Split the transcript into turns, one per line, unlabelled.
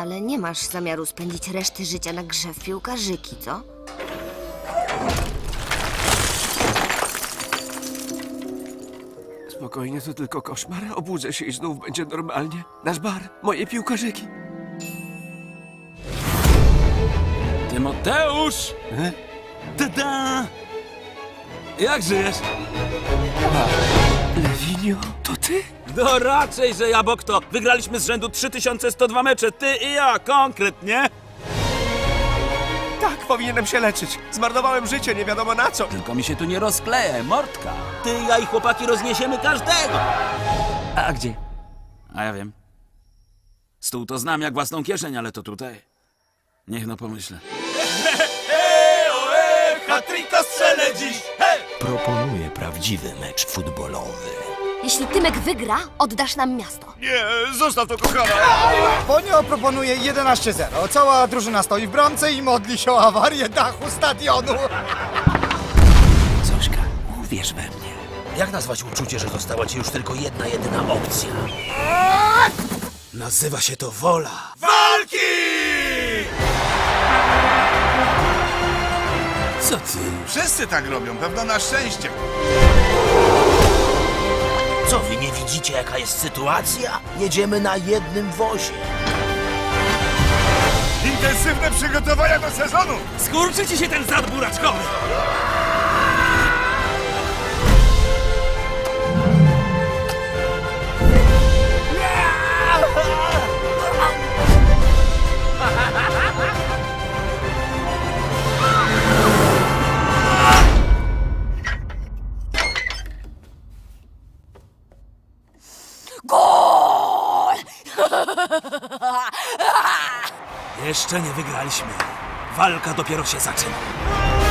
Ale nie masz zamiaru spędzić reszty życia na grze w piłkarzyki, co?
Spokojnie, to tylko koszmar. Obudzę się i znów będzie normalnie. Nasz bar, moje piłkarzyki.
Tymoteusz! Tada! Jak żyjesz?
Lewinio, to ty?
No raczej, że ja, bo kto? Wygraliśmy z rzędu 3102 mecze, ty i ja, konkretnie.
Tak, powinienem się leczyć. Zmarnowałem życie, nie wiadomo na co.
Tylko mi się tu nie rozkleje, mordka. Ty, ja i chłopaki rozniesiemy każdego. A gdzie? A ja wiem. Stół to znam jak własną kieszeń, ale to tutaj. Niech no pomyślę. Hat-tricka strzelę dziś!
Proponuję prawdziwy mecz futbolowy.
Jeśli Tymek wygra, oddasz nam miasto.
Nie, zostaw to, kochana.
Ponio proponuje 11-0. Cała drużyna stoi w bramce i modli się o awarię dachu stadionu.
Zośka, uwierz we mnie. Jak nazwać uczucie, że została ci już tylko jedyna opcja? Nazywa się to wola.
Walki!
Co ty?
Wszyscy tak robią, pewno na szczęście.
Co, wy nie widzicie, jaka jest sytuacja? Jedziemy na jednym wozie.
Intensywne przygotowania do sezonu.
Skurczy ci się ten zad buraczkowy!
Gol!
Jeszcze nie wygraliśmy. Walka dopiero się zaczyna.